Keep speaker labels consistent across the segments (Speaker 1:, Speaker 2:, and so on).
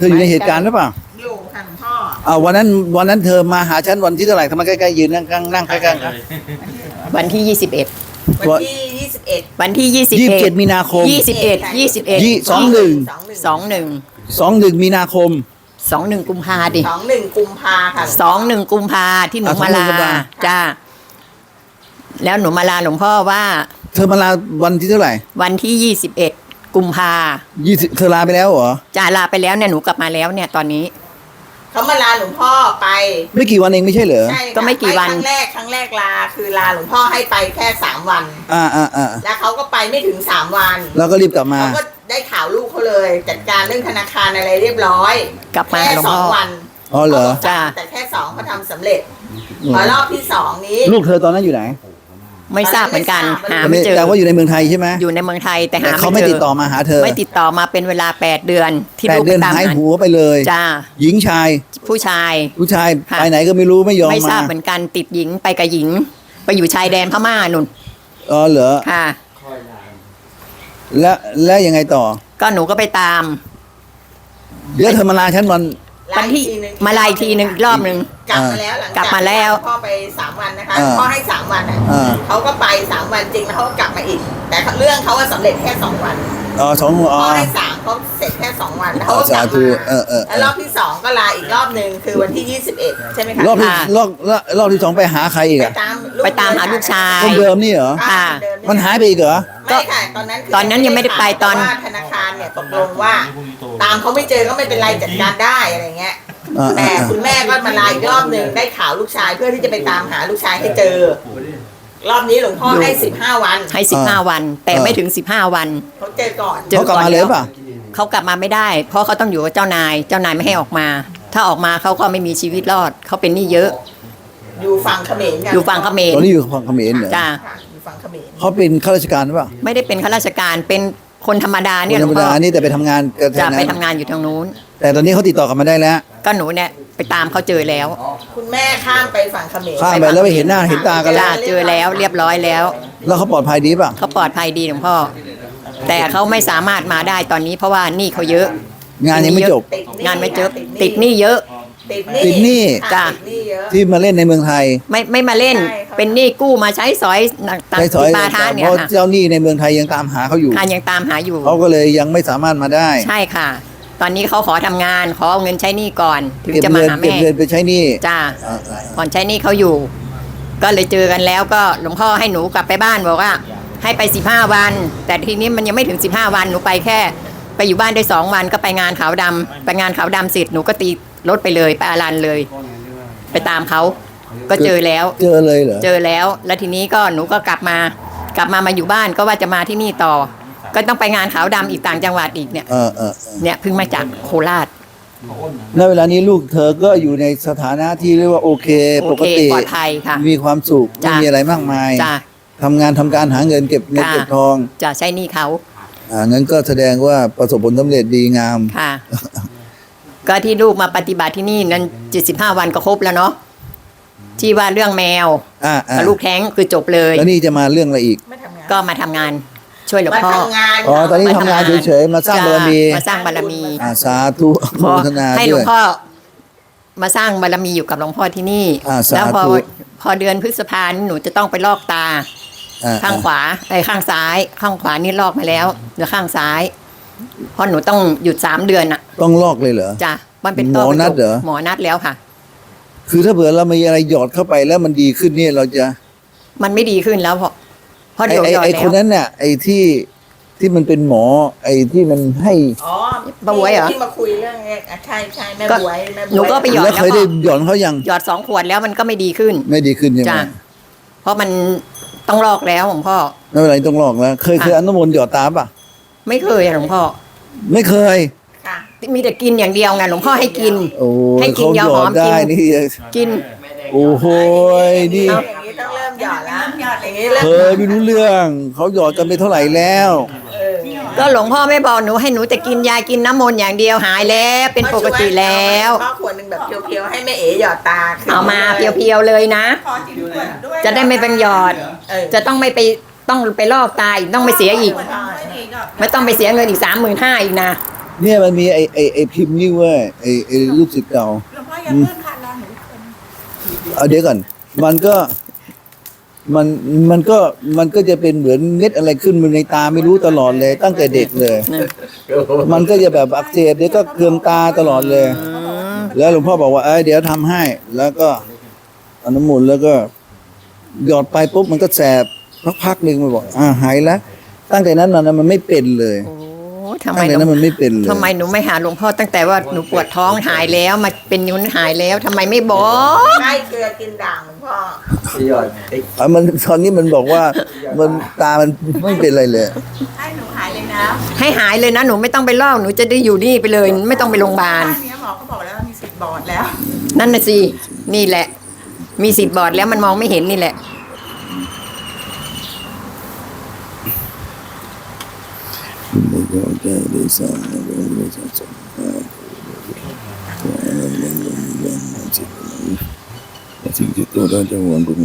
Speaker 1: ธออยู่ในเหตุการณ์หรือเปล่า
Speaker 2: อยู่ค่ะหลวงพ่อ
Speaker 1: วันนั้นเธอมาหาฉันวันที่เท่าไหร่ทำไมใกล้ๆยืนนั่งใกล้ๆกัน
Speaker 3: วันที่21
Speaker 2: วันที่21
Speaker 3: วันที่
Speaker 1: 27 มีนาคม21 21 21 มีนาคม
Speaker 3: 21กุมภาดิ
Speaker 2: 21กุมภาค่ะ
Speaker 3: 21กุมภาที่หนูมาลาจ้าแล้วหนูมาลาหลวงพ่อว่า
Speaker 1: เธอมาลาวันที่เท่าไหร่
Speaker 3: วันที่21กุมภา
Speaker 1: 20เธอลาไปแล้วเหรอ
Speaker 3: จ้าลาไปแล้วเนี่ยหนูกลับมาแล้วเนี่ยตอนนี้
Speaker 2: เขามาลาหลวงพ่อไป
Speaker 1: ไม่กี่วันเองไม่ใช่เหรอ
Speaker 2: ใช่
Speaker 3: ก็ไม่กี่วัน
Speaker 2: ครั้งแรกลาคือลาหลวงพ่อให้ไปแค่3วันแล้วเขาก็ไปไม่ถึง3วัน
Speaker 1: แล้วก็รีบกลับมา
Speaker 2: เขาก็ได้ข่าวลูกเขาเลยจัดการเรื่องธนาคารอะไรเรียบร้อย
Speaker 3: กลับมา
Speaker 2: แค่2วัน
Speaker 1: อ๋อเหรอ
Speaker 2: จ้าแต่แค่2เขาทำสำเร็จพอรอบที่2นี้
Speaker 1: ลูกเธอตอนนั้นอยู่ไหน
Speaker 3: ไม่ทราบเหมือนกันหาไม่เจอ
Speaker 1: แต่ว่าอยู่ในเมืองไทยใช่ไหม
Speaker 3: อยู่ในเมืองไทยแต่หาไม่เจอ
Speaker 1: เขาไม่ติดต่อมาหาเธอ
Speaker 3: ไม่ติดต่อมาเป็นเวลา8เดือนที่ลูก
Speaker 1: ไปตามหายหัวไปเลย
Speaker 3: จ้า
Speaker 1: หญิงชาย
Speaker 3: ผู้ชาย
Speaker 1: ไปไหนก็ไม่รู้ไม่ยอมมา
Speaker 3: ไม่ทราบเหมือนกันติดหญิงไปกับหญิงไปอยู่ชายแดนพม่านุ่น
Speaker 1: อ๋อเหรอ
Speaker 3: ค่ะ
Speaker 1: แล้วยังไงต่อ
Speaker 3: ก็หนูก็ไปตาม
Speaker 1: เดี๋ยวเธอมาลาฉันวัน
Speaker 3: ที่มาลาอีกทีนึงรอบนึง
Speaker 2: กลับมาแล้วหลังจากพ่อไป3วันนะคะพ่อให้3วันเขาก็ไป3วันจริงแล้วเขาก็กลับมาอีกแต่เรื่องเขาว่าสำเร็จแค่2วันพ่อให้3เขาเสร็จแค่2วันแล้วเขาก็กลับมาแล้วรอบที่2ก็ลาอีกรอบนึงคือวันที่21ใช่ไหมคะ
Speaker 1: รอบที่2ไปหาใครอีก
Speaker 3: ไปตามหาลูกชาย
Speaker 1: คนเดิมนี่เหรอ
Speaker 3: ค่ะ
Speaker 1: มันหายไปอีกเหรอ
Speaker 2: ไม่ค่ะตอนนั้น
Speaker 3: ยังไม่ได้ไปตอน
Speaker 2: ธนาคารเนี่ยตกลงว่าตามเขาไม่เจอก็ไม่เป็นไรจัดการได้อะไรเงี้ยแต่คุณแม่ก็มาลาอีกรอบหนึ่งได้ข่าวลูกชายเพื่อที่จะไปตามหาลูกชายให้เจอรอบนี้หลวงพ่อให้15วัน
Speaker 3: ให้15วันแต่ไม่ถึง15วัน
Speaker 2: เขาเจอก่อน
Speaker 1: เขากลับมาเลยป่ะ
Speaker 3: เขากลับมาไม่ได้เพราะเขาต้องอยู่กับเจ้านายไม่ให้ออกมาถ้าออกมาเขาก็ไม่มีชีวิตรอดเขาเป็นหนี้เยอะ
Speaker 2: อยู่ฝั่งเขมรกัน
Speaker 3: อยู่ฝั่งเขมร
Speaker 1: ตอนนี้อยู่ฝั่งเขมรเหรอ
Speaker 3: จ้า
Speaker 2: อยู่ฝั่งเขมร
Speaker 1: เขาเป็นข้าราชการหรือเปล่า
Speaker 3: ไม่ได้เป็นข้าราชการเป็นคนธรรมดาเนี่ย
Speaker 1: ธรรมดานี่แต่ไปทำงาน
Speaker 3: จะไปทำงานอยู่ทางนู้น
Speaker 1: แต่ตอนนี้เขาติดต่อกลับมาได้แล้ว
Speaker 3: ก็หนูเนี่ยไปตามเขาเจอแล้ว
Speaker 2: คุณแม่ข้ามไปฝั่งเขมร
Speaker 1: ข้ามไปแล้วไปเห็นหน้าเห็นตากันแล้ว
Speaker 3: เจอแล้วเรียบร้อยแล้ว
Speaker 1: แล้วเขาปลอดภัยดีป่ะ
Speaker 3: เขาปลอดภัยดีหลวงพ่อแต่เขาไม่สามารถมาได้ตอนนี้เพราะว่าหนี้เขาเยอะ
Speaker 1: งานยังไม่จบ
Speaker 3: งานไม่จบติดหนี้เยอะ
Speaker 1: ติดหนี้
Speaker 3: จ้ะ
Speaker 1: ที่มาเล่นในเมืองไทย
Speaker 3: ไม่มาเล่นเป็นหนี้กู้มาใช้สอย
Speaker 1: ต่างๆปาทานเนี่ยเพราะเจ้าหนี้ในเมืองไทยยังตามหาเขาอยู่
Speaker 3: ยังตามหาอยู่
Speaker 1: เขาก็เลยยังไม่สามารถมาได้
Speaker 3: ใช่ค่ะตอนนี้เขาขอทำงานขอเอาเงินใช้หนี้ก่อนถึงจะมาหาแม่
Speaker 1: เก็บเงินไปใช้หนี้
Speaker 3: จ้าก่อนใช้หนี้เขาอยู่ก็เลยเจอกันแล้วก็หลวงพ่อให้หนูกลับไปบ้านบอกว่าให้ไป15วันแต่ทีนี้มันยังไม่ถึง15วันหนูไปแค่ไปอยู่บ้านได้2วันก็ไปงานขาวดำไปงานขาวดำเสร็จหนูก็ตีรถไปเลยไปอารันเลยไปตามเขาก็เจอแล้ว
Speaker 1: เจอเลยเหรอ
Speaker 3: เจอแล้วแล้วทีนี้ก็หนูก็กลับมาอยู่บ้านก็ว่าจะมาที่นี่ต่อก็ต้องไปงานขาวดำอีกต่างจังหวัดอีกเนี่ยเนี่ยเพิ่งมาจากโคราช
Speaker 1: ณเวลานี้ลูกเธอก็อยู่ในสถานะที่เรียกว่าโอเคปกติ
Speaker 3: ปลอดภัยค่ะ
Speaker 1: มีความสุขไม่มีอะไรมากมายทำงานทำการหาเงินเก็บเงินเก็บทอง
Speaker 3: จะใช้หนี้เขา
Speaker 1: งั้นก็แสดงว่าประสบผลสำเร็จดีงาม
Speaker 3: ค่ะก็ที่ลูกมาปฏิบัติที่นี่นั้น75วันก็ครบแล้วเนาะที่ว่าเรื่องแมวกับลูกแท้งคือจบเลย
Speaker 1: แล้วนี่จะมาเรื่องอะไรอีก
Speaker 3: ก็มาทำงานช่วยหลวงพ่อ
Speaker 1: ตอนนี้ทำงานเฉยๆมาสร้างบารมีสาธุโมทนา
Speaker 3: ให้หลวงพ่อมาสร้างบารมีอยู่กับหลวงพ่อที่นี่แล้วพอเดือนพฤษภาคมหนูจะต้องไปลอกตาข้างขวาข้างซ้ายข้างขวานี่ลอกมาแล้วเหลือข้างซ้ายเพราะหนูต้องหยุด3เดือนอ่ะ
Speaker 1: ต้องลอกเลยเหรอ
Speaker 3: จ้ะมันเป็น
Speaker 1: หมอนัดเหรอ
Speaker 3: หมอนัดแล้วค่ะ
Speaker 1: คือถ้าเผื่อเรามีอะไรหยอดเข้าไปแล้วมันดีขึ้นเนี่ยเราจะ
Speaker 3: มันไม่ดีขึ้นแล้วเพราะเดี๋ยว
Speaker 1: ไอ้คนนั้นเนี่ยไอ้ที่มันเป็นหมอไอ้ที่มันให้
Speaker 3: ป้าบวยเหรอ
Speaker 2: ที่มาคุยเรื่องใช่แม่บวย
Speaker 3: หนูก็ไปหยอด
Speaker 1: แล้วเคยได้หยอดเขายัง
Speaker 3: หยอด2 ขวดแล้วมันก็ไม่ดีขึ้น
Speaker 1: ใช่ไหม
Speaker 3: จ้ะเพราะมันต้องลอกแล้วหลวงพ่อ
Speaker 1: ไม่เป็นไรต้องลอกแล้วเคยอนุโมทนาหยอดตาป่ะ
Speaker 3: ไม่เคยหลวงพ่อ
Speaker 1: ไม่เคย
Speaker 3: มีแต่กินอย่างเดียวไงหลวงพ่อให้กินให้กินยาหอมกิน
Speaker 1: โอ้โหนี่
Speaker 2: อย่างนี้ต้องเริ่มหยอดแล้วอย่างนี้
Speaker 1: ไม่รู้เรื่องเขาหยอดกันไปเท่าไหร่แล้ว
Speaker 3: ก็หลวงพ่อไม่บอกหนูให้หนูแต่กินยากินน้ำมนต์อย่างเดียวหายแล้วเป็นปกติแล้ว
Speaker 2: ข้อขวดนึงแบบเพียวๆให้แม่เอ๋หยอดตา
Speaker 3: เอามาเพียวๆเลยนะจะได้ไม่เป็นหยอดจะต้องไม่ไปต้องไปลอกตาอีกต้องไปเสียอีกไม่ต้องไปเสียเงินอีก35,000อีกนะ
Speaker 1: เนี่ยมันมีไอ้พิมพ์นี่เว้ยไอ้ลูกศิษย์เก่า
Speaker 2: หลวงพ่ออย่าเพิ่งค่ะรอหนูคน
Speaker 1: เอาเดี๋ยวก่อนมันก็มันก็จะเป็นเหมือนเม็ดอะไรขึ้นมาในตาไม่รู้ตลอดเลย ตั้งแต่เด็กเลย มันก็จะแบบอักเสบเดี๋ยวก็เคืองตาตลอดเลย แล้วหลวงพ่อบอกว่าเดี๋ยวทำให้ แล้วก็เอาน้ำมนต์แล้วก็หยอดไปปุ๊บมันก็แสบพักหนึ่งมันบอกหายแล้วตั้งแต่นั้นมามันไม่เป็นเลย
Speaker 3: โอ้ทำไม
Speaker 1: ตั้งแต่นั้นมันไม่เป็นเลย
Speaker 3: ทำไมหนูไม่หาหลวงพ่อตั้งแต่ว่าหนูปวดท้องหายแล้วมาเป็นนิ้วหายแล้วทำไมไม่บอก
Speaker 2: ใช่เกลือกินด่างหลวงพ่อ
Speaker 1: มันตอนนี้มันบอกว่ามันตามันไม่เป็นอะไรเลย
Speaker 2: ให้หนูหายเลยนะ
Speaker 3: ให้หายเลยนะหนูไม่ต้องไปลอกหนูจะได้อยู่นี่ไปเลย ไม่ต้องไปโรงพยาบาล
Speaker 2: บ้านนี้หมอเขาบอกแล้วว่ามีสิทธิ์บอดแล้ว
Speaker 3: นั่นน่ะสินี่แหละ มีสิทธิ์บอดแล้วมันมองไม่เห็นนี่แหละ
Speaker 1: สิ่งที่ตัวเราจะหวังดู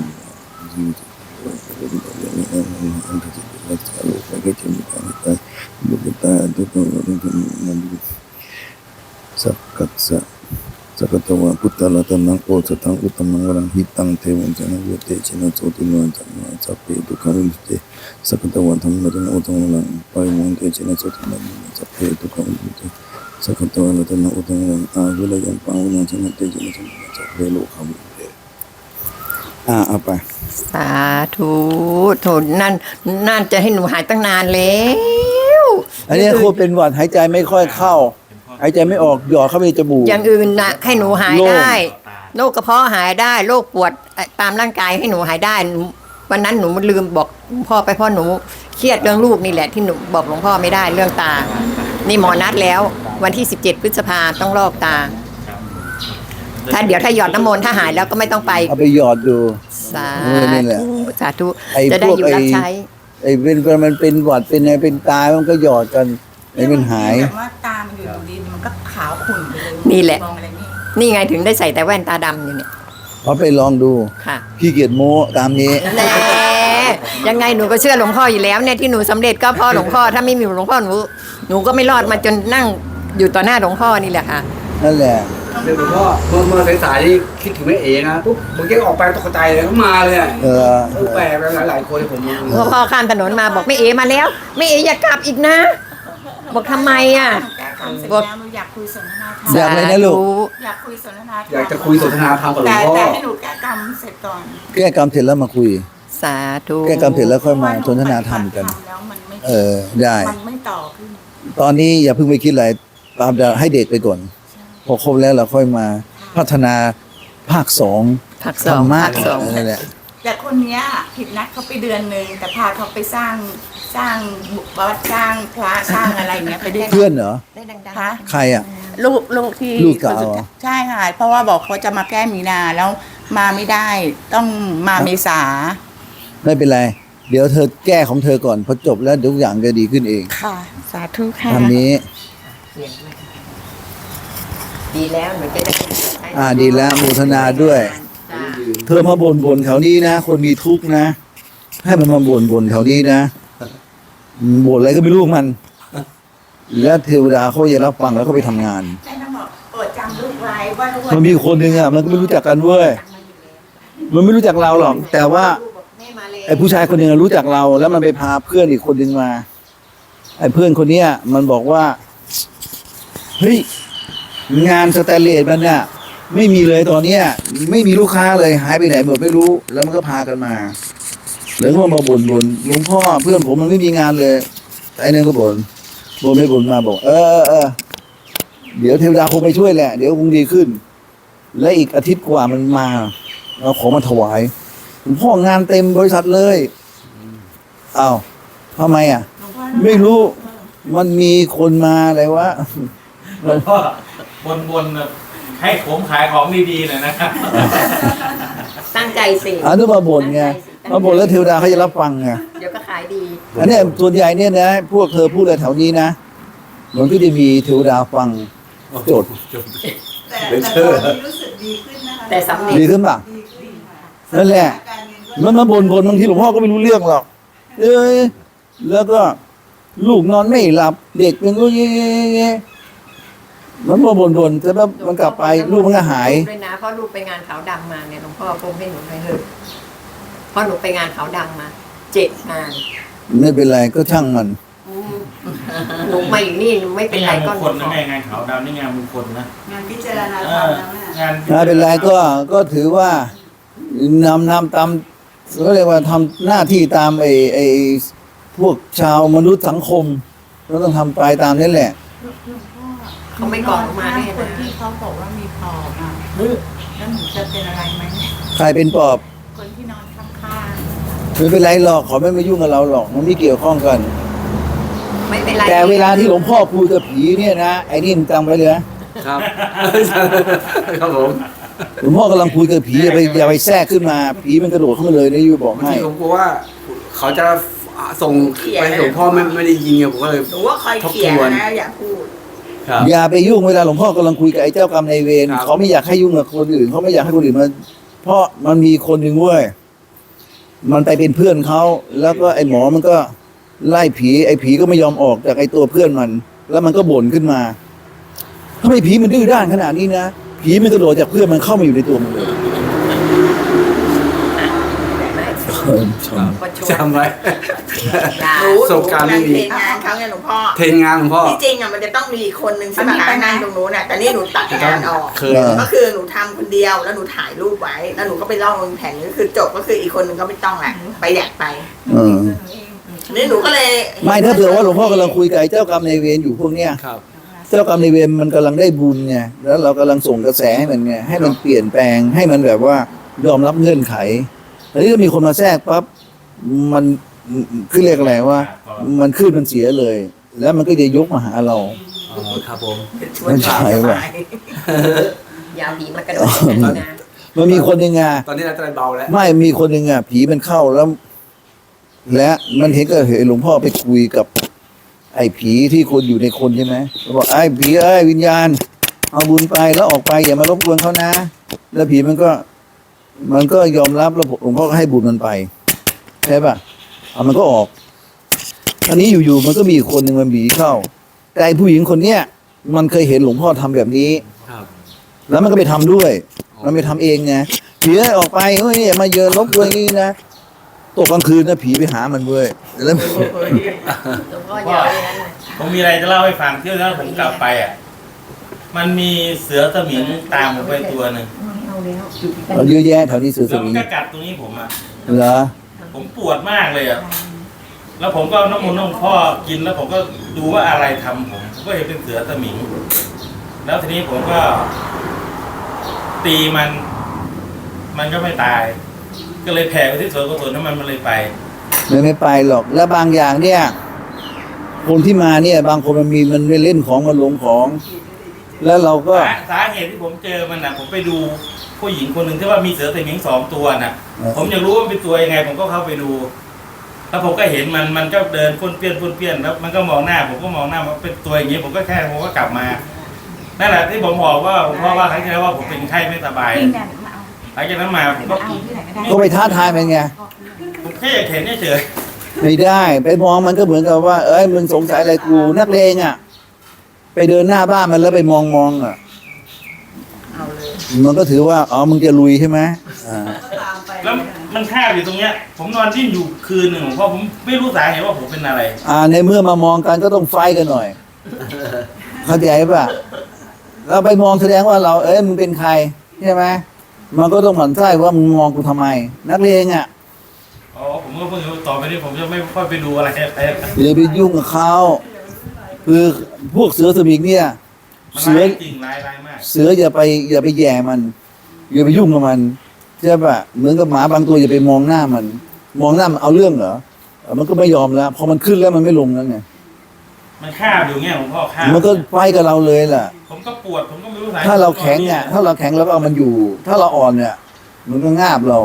Speaker 1: สักกัสสะสักกตวะพุทธลัตนังโอสถังอุตมังวรังหิตังเทวันจันทร์เตชินะโสติโนจันทร์สัพเพทุกขาวิมุตติสักกตวะธรรมะโอตังวรังปายมังเตชินะโสติโนสัพเพทุกขาวิมุตติสักกตวะลัตนังโอตังวรังอาวิลยังปังวิญญาณเตชินะโสติโนสัพเพโลกาวิมุตติเอาไป
Speaker 3: สาธุโถนั่นจะให้หนูหายตั้งนานแล้ว
Speaker 1: อันนี้โคตรเป็นหวัดหายใจไม่ค่อยเข้า หายใจไม่ออกหยอดเข้าไปในจมูก
Speaker 3: อย่างอื่นนะให้หนูหาย
Speaker 1: โรค
Speaker 3: ได้โรคกระเพาะหายได้โรคปวดตามร่างกายให้หนูหายได้วันนั้นหนูลืมบอกหลวงพ่อไปเพราะหนูเครียดเรื่องลูกนี่แหละที่หนูบอกหลวงพ่อไม่ได้เรื่องตา นี่หมอนัดแล้ว วันที่17 พฤษภาต้องลอกตา ถ้าเดี๋ยวถ้าหยอดน้ำมนต์ถ้าหายแล้วก็ไม่ต้องไป
Speaker 1: เอาไปหยอดดู
Speaker 3: สา
Speaker 1: นี่แหละ
Speaker 3: ธุสาธุ
Speaker 1: ไอ้
Speaker 3: จะได้
Speaker 1: พวก
Speaker 3: อยู่รับใช้
Speaker 1: ไอ้มันเป็นหวัดเป็นอะไรเป็นตายมันก็หยอดกันไอ้มันหาย
Speaker 2: แบบว่าตามันอยู่ดีมันก็ขาวขุ่นไปเลย
Speaker 3: นี่แหละ
Speaker 2: มองอะไรไม่
Speaker 3: นี่ไงถึงได้ใส่แต่แว่นตาดำอยู่เนี่ย
Speaker 1: เอาไปลองดู
Speaker 3: ค่ะ
Speaker 1: ขี้เกียจโม้ตามนี้
Speaker 3: แน่ยังไงหนูก็เชื่อหลวงพ่ออยู่แล้วเนี่ยที่หนูสำเร็จก็เพราะหลวงพ่อถ้าไม่มีหลวงพ่อหนูก็ไม่รอดมาจนนั่งอยู่ต่อหน้าหลวงพ่อนี่แหละค่ะ
Speaker 1: นั่นแหละ
Speaker 4: เดี๋ยวหลวงพ่อเมื่อสายๆนี่คิดถึงแม่เอ๋นะปุ๊บผมแกออกไปตกใจเลยก็มาเลยอะ แปลกไปหลายๆคนที่ผม
Speaker 3: หลวงพ่อข้ามถนนมาบอกไม่เอมาแล้วไม่เออย่ากลับอีกนะ บอกทำไมอ่ะ
Speaker 2: แก้กรรมเสร็จแล้วหนูอยากคุยสนทนาธรรม
Speaker 1: อยากเลยนะลูก
Speaker 2: อยากคุยสนทนาธรรม
Speaker 4: อยากจะคุยสนทนาธรรมกับหลว
Speaker 2: แต่
Speaker 4: งพ่อ
Speaker 2: แต่ให้หนูแก้กรรมเสร็จก่อน
Speaker 1: แก้กรรมเสร็จแล้วมาคุย
Speaker 3: สาธุ
Speaker 1: แก้กรรมเสร็จแล้วค่อยมาสนทนาธรรมกัน
Speaker 2: แล้วมันไม่
Speaker 1: ได้
Speaker 2: มันไม่ต่อขึ้น
Speaker 1: ตอนนี้อย่าเพิ่งไปคิดอะไรตามจะให้เด็กไปก่อน พอครบแล้วเราค่อยมาพัฒนาภาคสอง
Speaker 3: ภาค
Speaker 1: ธ
Speaker 3: ส
Speaker 1: ร
Speaker 3: อง
Speaker 1: รมะ
Speaker 3: ภาคสอง
Speaker 1: นั่นแหละ
Speaker 2: แต่คนเนี้ยผิดนัดเขาไปเดือนหนึ่งแต่พาเขาไปสร้างวัดสร้างพระสร้างอะไรเงี้ยไปด้วย
Speaker 1: เพื่อนเหรอ
Speaker 3: ได้ดัง
Speaker 2: คะ
Speaker 1: ใครอ่ะ
Speaker 2: ลูกที่
Speaker 1: ลูกเก่า
Speaker 2: คนสุดท้ยใช่ค่ะ เพราะว่าบอกเขาจะมาแก้มีนาแล้วมาไม่ได้ต้องมาเมษา
Speaker 1: ไม่เป็นไร เดี๋ยวเธอแก้ของเธอก่อนพอจบแล้วเดี๋ยวทุกอย่างจะดีขึ้นเอง
Speaker 2: ค่ะ สาธุค่ะ
Speaker 1: ทำนี้
Speaker 3: ดีแล้วหนูจะได้
Speaker 1: ดีแล้วโมทนาด้วย
Speaker 3: จ้า
Speaker 1: เธอมาบ่นแถวนี้นะ คนมีทุกข์นะ ให้มันมาบ่นแถวนี้นะบ่นอะไรก็ไม่รู้ของมัน แล้วเทวดาเขาจะรับฟังแล้วก็ไปทำงาน
Speaker 2: แม่ต้องบอกโปรดจำลูกไว้ว่าลูก
Speaker 1: มันมีคนหนึ่งอ่ะมันก็ไม่รู้จักกันเว้ยมันไม่รู้จักเราหรอก แต่ว่า ไอ้ผู้ชายคนหนึ่งรู้จักเรา แล้วมันไปพาเพื่อนอีกคนหนึ่งมา ไอ้เพื่อนคนเนี้ย มันบอกว่าเฮ้ยงานสแตนเลสมันน่ะไม่มีเลยตอนเนี้ย ไม่มีลูกค้าเลยหายไปไหนหมดไม่รู้ แล้วมันก็พากันมาแล้วก็มาบ่นหลวงพ่อเพื่อนผมมันไม่มีงานเลยไอ้นั่นก็บ่นไม่บ่นมาบอก เออเดี๋ยวเทวดาคงไปช่วยแหละเดี๋ยวคงดีขึ้น และอีกอาทิตย์กว่ามันมาเอาของมาถวายหลวงพ่องานเต็มบริษัทเลยอ้าวทำไมอ่ะ
Speaker 2: หลวงพ่อ
Speaker 1: ไม่รู้ มันมีคนมาอะไรวะ
Speaker 5: หลวงพ่อบนแบบให้ผมขายของดีๆหน่อยนะครับ
Speaker 3: ตั้งใจสิ
Speaker 1: อันนี้มาบ่นไงมาบ่นแล้วเทวดาเขาจะรับฟังไง
Speaker 3: เดี๋ยวก็ขายดี
Speaker 1: อันเนี้ยส่วนใหญ่เนี่ยนะพวกเธอพูดอะไรแถวนี้นะมันก็จะมีเทวดาฟังโจทย์
Speaker 2: แต่ตอนนี้รู้สึกดีขึ้นนะคะ
Speaker 3: แต่สำเร็จ
Speaker 1: ดีขึ้นป่ะ
Speaker 2: ดีขึ้นค่ะ
Speaker 1: นั่นแหละ
Speaker 2: การเงินก็
Speaker 1: มันมาบ่นบางทีหลวงพ่อก็ไม่รู้เรื่องหรอกเอ้ยแล้วก็ลูกนอนไม่หลับ เด็กเป็นก็เย่มันบ่นแต่ว่ามันกลับไปลูกมันก็หาย
Speaker 3: ด้วยนะเพราะลูกไปงานขาวดำมาเนี่ยหลวงพ่อคงให้หนูไปเถอะเพราะหนูไปงานขาวดำมา7 งาน
Speaker 1: ไม่เป็นไรก็ช่างมัน
Speaker 3: หนูมาอยู่นี่หนูไม่เป็น
Speaker 5: นี่
Speaker 3: ไรง
Speaker 5: านม
Speaker 3: ก็
Speaker 5: งคลนะแม่งานขาวดำนี่งานมงคลนะ
Speaker 2: งานพิจารณา
Speaker 5: เอ
Speaker 2: ธรรม
Speaker 5: อ
Speaker 2: แล้วแม่
Speaker 5: งาน
Speaker 1: ไม่เป็นไรก็ถือว่านำตามก็เรียกว่าทำหน้าที่ตามไอ้พวกชาวมนุษย์สังคมเราต้องทำไปตามนี้แหละ
Speaker 3: เขาไม่ก่อนมาแน่
Speaker 6: คน
Speaker 3: นะ
Speaker 6: ที่เขาบอกว่ามีปอบอ่ะแล้วหนูจะเป็นอะไรไหม
Speaker 1: ใครเป็นปอบ
Speaker 6: คนที่นอนข้าง
Speaker 1: ไม่เป็นไรหรอกขอไม่มายุ่งกับเราหรอกมันไม่เกี่ยวข้องกัน
Speaker 3: ไม่เป็นไร
Speaker 1: แต่เวลาที่หลวงพ่อพูดกับผีเนี่ยนะไอ้นี่มึงจำไว้เลยนะครับ
Speaker 4: ครับผม
Speaker 1: หลวงพ่อกำลังคุยกับผีอย่าไปแทรกขึ้นมาผีมันกระโดดขึ้นมาเลยนะยูบอก
Speaker 4: บาง
Speaker 1: ให้
Speaker 4: ทีผมกลัวว่าเขาจะส่งไปส่งพ่อไม่ได้ยิงไงผมก็เลย
Speaker 2: หนูว่าคอยเขียนนะอย่าพูด
Speaker 4: ครับ
Speaker 1: อย่าไปยุ่งเวลาหลวงพ่อกำลังคุยกับไอ้เจ้ากรรมนายเวร
Speaker 4: ครับ
Speaker 1: เขาไม่อยากให้ยุ่งกับคนอื่นเขาไม่อยากให้คนอื่นมาเพราะมันมีคนหนึ่งเว้ยมันไปเป็นเพื่อนเขาแล้วก็ไอ้หมอมันก็ไล่ผีไอ้ผีก็ไม่ยอมออกจากไอ้ตัวเพื่อนมัน แล้วมันก็บ่นขึ้นมาทำไมผีมันดื้อด้านขนาดนี้นะผีมันกระโดดจากเพื่อนมันเข้ามาอยู่ในตัวมันเลย
Speaker 3: ก็ชวน
Speaker 4: จำไว้
Speaker 2: หนู
Speaker 4: ประสบการณ์ไม่มี
Speaker 2: เทรนงานเขาไงหลวงพ่อ
Speaker 4: เทรนงานหลวงพ่อ
Speaker 2: ที่จริงอ่ะมันจะต้องมีคนหนึ่งใช่ไหมคะนั่งตรงนู้นน่ะแต่นี่หนูตัดงานออก
Speaker 4: เคย
Speaker 2: ก็คือหนูทำคนเดียวแล้วหนูถ่ายรูปไว้ แล้วหนูก็ไปล่องลงแผ่นก็คือจบก็คืออีกคนหนึ่งก็ไม่ต้องแหละไปอยากไป
Speaker 1: เออ
Speaker 2: นี่หนูก็เลย
Speaker 1: ไม่ถ้าเผื่อว่าหลวงพ่อกำลังคุยกับไอ้เจ้ากรรมนายเวรอยู่พวกเนี้ย
Speaker 4: ครับ
Speaker 1: เจ้ากรรมนายเวรมันกำลังได้บุญไงแล้วเรากำลังส่งกระแสให้มันไงให้มันเปลี่ยนแปลงให้มันแบบว่ายอมรับเงื่อนไขแต่นี่ถ้ามีคนมาแทรกปั๊บมันคือเรียกอะไรว่า มันขึ้นมันเสียเลย แล้วมันก็จะยกมาหาเรา
Speaker 4: อ๋อครับผม
Speaker 2: ชวนสบาย
Speaker 3: ยาวผีมากระโดดอย่างนั้นนะ
Speaker 1: มันมีคนหนึ่งอ่ะ
Speaker 4: ตอนนี้เราจะเบาแล้ว
Speaker 1: ไม่มีคนหนึ่งอ่ะผีมันเข้าแล้ว และมันเห็นก็เห็นหลวงพ่อไปคุยกับ ไอ้ผีที่คนอยู่ในคนใช่ไหมบอกไอ้ผีเอ้ยวิญญาณ เอาบุญไปแล้วออกไปอย่ามารบกวนเขานะ แล้วผีมันก็ยอมรับแล้วหลวงพ่อก็ให้บุญมันไปใช่ป่ะเอามันก็ออกอันนี้อยู่ๆมันก็มีอีกคนหนึ่งมันผีเข้า แต่ไอ้ผู้หญิงคนเนี้ยมันเคยเห็นหลวงพ่อทำแบบนี้
Speaker 4: ครับ
Speaker 1: แล้วมันก็ไปทำด้วย มันไปทำเองไงผีเอ้ยออกไปเฮ้ยอย่ามาเยินรบกวนอย่างนี้นะตกกลางคืนนะผีไปหามันเว้ยแล้ว
Speaker 3: หลวงพ่อยาวอย่างนั้นนะ
Speaker 5: ผมมีอะไรจะเล่าให้ฟังที่แล้วผมกลับไปอ่ะมันมีเสือสมิงตามผมไปตัวหนึ่ง
Speaker 1: มันเยอะแยะแถวนี้เสือส
Speaker 5: แล้วมั
Speaker 1: มิ
Speaker 5: น
Speaker 1: ง
Speaker 5: ก็กัดตรงนี้ผมอ่ะ
Speaker 1: เหรอ
Speaker 5: ผมปวดมากเลยอ่ะแล้วผมก็เอาน้ำมันต์น้ำพ่อกินแล้วผมก็ดูว่าอะไรทำผมก็เห็นเป็นเสือสมิง แล้วทีนี้ผมก็ ตีมันก็ไม่ตาย ก็เลยแผ่ไปที่สวนกุศลน้ำมันเลยไป
Speaker 1: ไม่ไปหรอก แล้วบางอย่างเนี่ย คนที่มาเนี่ย บางคนมันเล่นของมันหลงของ แล้วเราก็
Speaker 5: สาเหตุที่ผมเจอมันน่ะ ผมไปดูผู้หญิงคนหนึ่งที่ว่ามีเสือสมิง2 ตัวน่ะ ผมอยากรู้ว่ามันเป็นตัวยังไง ผมก็เข้าไปดู แล้วผมก็เห็นมันก็เดินป้วนเปี้ยนแล้วมันก็มองหน้า ผมก็มองหน้ามันเป็นตัวอย่างนี้ผมก็กลับมานั่นแหละที่ผมบอกว่าเพราะว่าครั้งที่แล้วว่าผมเป็นไข้ไม่สบายหลังจากนั้นมาผมก็
Speaker 1: ก็ไปท้าทายมันไง
Speaker 5: ผมแค่อยากเห็นเฉย
Speaker 1: ไม่ได้ ไปมองมันก็เหมือนกับว่า เอ้ยมึงสงสัยอะไรกูนักเลงอ่ะ ไปเดินหน้าบ้านมันแล้วไปมองอ่ะ
Speaker 2: เอาเลย
Speaker 1: มันก็ถือว่า อ๋อ มึงจะลุยใช่ไหมอ่า
Speaker 5: แล้วมันคาบอยู่ตรงเนี้ย ผมนอนดิ้นอยู่คืนหนึ่งเพราะผมไม่รู้สาเหตุว่าผมเป็นอะไร
Speaker 1: ในเมื่อมามองกันก็ต้องไฟกันหน่อย เข้าใจป่ะ เราไปมองแสดงว่าเรา เอ้ยมึงเป็นใครใช่ไหมมันก็ต้องหมั่นไส้ว่ามึงมองกูทำไม นักเลงอ่ะ
Speaker 5: อ๋อผมก็เพิ่งรู้ต่อไปนี้ผมจะไม่ค่อยไปดูอะไร
Speaker 1: อย่าไปยุ่งกับเขาคือพวกเสือสมิงเนี่ย
Speaker 5: มัน
Speaker 1: เสือ
Speaker 5: ร้ายจริงร้ายมาก
Speaker 1: เสืออย่าไปแย่มัน อย่าไปยุ่งกับมันใช่ป่ะเหมือนกับหมาบางตัวอย่าไปมองหน้ามัน มองหน้ามันเอาเรื่องเหรอมันก็ไม่ยอมแล้วพอมันขึ้นแล้วมันไม่ลงแล้วไง
Speaker 5: มันคาบอยู่เงี้ยหลวงพ่อคาบ
Speaker 1: มันก็ไฟกับเราเลยล่ะ
Speaker 5: ผมก็ปวดผมก็ไม่รู้สาเหตุ
Speaker 1: ถ้าเราแข็งอ่ะถ้าเราแข็งเราก็เอามันอยู่ ถ้าเราอ่อนเนี่ยมันก็งาบเรา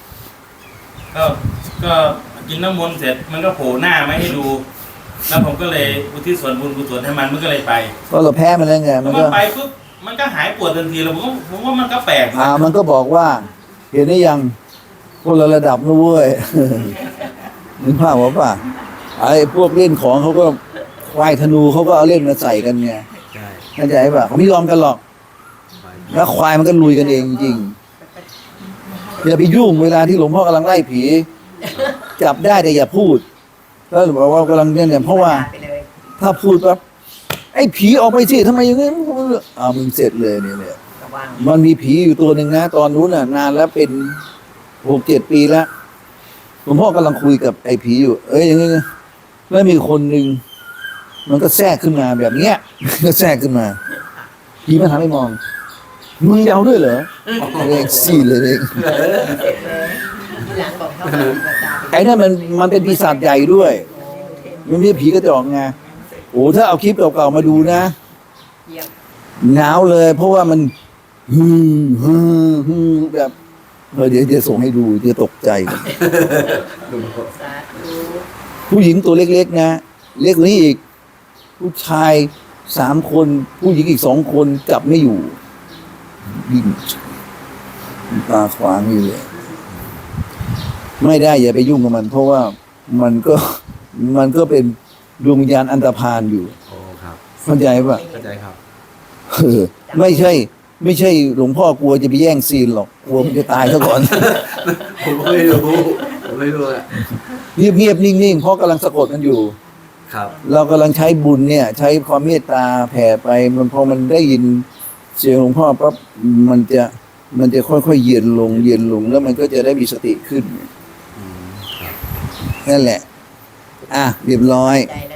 Speaker 5: ก็กินน้ำมนต์เสร็จมันก็โผล่หน้ามาให้ดู แล้วผมก็เลยอุทิศส่วนบุญกุศลให้มันก็เลยไป
Speaker 1: ก็เราแพ้มันแล้วไง
Speaker 5: พ
Speaker 1: มั
Speaker 5: อน มั
Speaker 1: ก็
Speaker 5: นไปปุ๊บมันก็หายปวดทันทีแล้วผมว่ามันก็แปลกนะ
Speaker 1: มันก็บอกว่า เห็นได้ยังคนละระดับนะเว้ย นึกภาพว่าป่ะไอ้พวกเล่นของเขาก็ควายธนูเขาก็เอาเล่นมาใส่กันไง
Speaker 4: ใช่
Speaker 1: เข้าใจป่ะเขาไม่ยอมกันหรอก แล้วควายมันก็ลุยกันเองจริงอย่าไปยุ่งเวลาที่หลวงพ่อกำลังไล่ผี จับได้แต่อย่าพูดแล้วหลวงพ่อว่ากำลังเนี่ยเพราะว่า
Speaker 3: ไปเลย
Speaker 1: ถ้าพูดปั๊บไอ้ผีออกไปสิทำไมอย่างนี้มึงเสร็จเลยเนี่ย
Speaker 3: ระวัง
Speaker 1: มันมีผีอยู่ตัวหนึ่งนะ ตอนนู้นน่ะ นานแล้วเป็น6-7 ปีแล้วหลวงพ่อกำลังคุยกับไอ้ผีอยู่ อย่างนี้แล้วมีคนหนึ่งมันก็แทรกขึ้นมาแบบเนี้ย ก็แทรกขึ้นมาผีมันหันไปมองมึงยาวด้วยเหรอเองซี่เลยเอง
Speaker 3: ทีหลังบอกเขาว่าภาษา
Speaker 1: ไอ้นั่นมันเป็นปีศาจใหญ่ด้วย มันไม่ใช่ผีกระจอกไงโอ้ถ้าเอาคลิปเก่าๆมาดูนะ
Speaker 3: เยี่ยม
Speaker 1: หนาวเลย เพราะว่ามันแบบเดี๋ยวส่งให้ดูจะตกใจ
Speaker 3: สาธุ
Speaker 1: ผู้หญิงตัวเล็กๆนะเล็กกว่านี้อีก ผู้ชาย3 คน ผู้หญิงอีก2 คนจับไม่อยู่วิ่งตาขวางอยู่เลย ไม่ได้อย่าไปยุ่งกับมัน เพราะว่ามันก็เป็นดวงวิญญาณอันตรพานอยู่
Speaker 4: โอ้ครับ
Speaker 1: เข้าใจป่ะ
Speaker 4: เข้าใจครับ
Speaker 1: ไม่ใช่หลวงพ่อกลัวจะไปแย่งซีนหรอกกลัวมันจะตายซะก่อน
Speaker 4: ผมไม่รู้อะ
Speaker 1: เงียบๆนิ่งๆเพราะกำลังสะกดกันอยู่
Speaker 4: ครับ
Speaker 1: เรากำลังใช้บุญเนี่ย ใช้ความเมตตาแผ่ไปมันพอมันได้ยินเสียงหลวงพ่อปั๊บมันจะค่อยๆเย็นลงแล้วมันก็จะได้มีสติขึ้นนั่นแหละ เรียบร้อย
Speaker 3: ใจแล้ว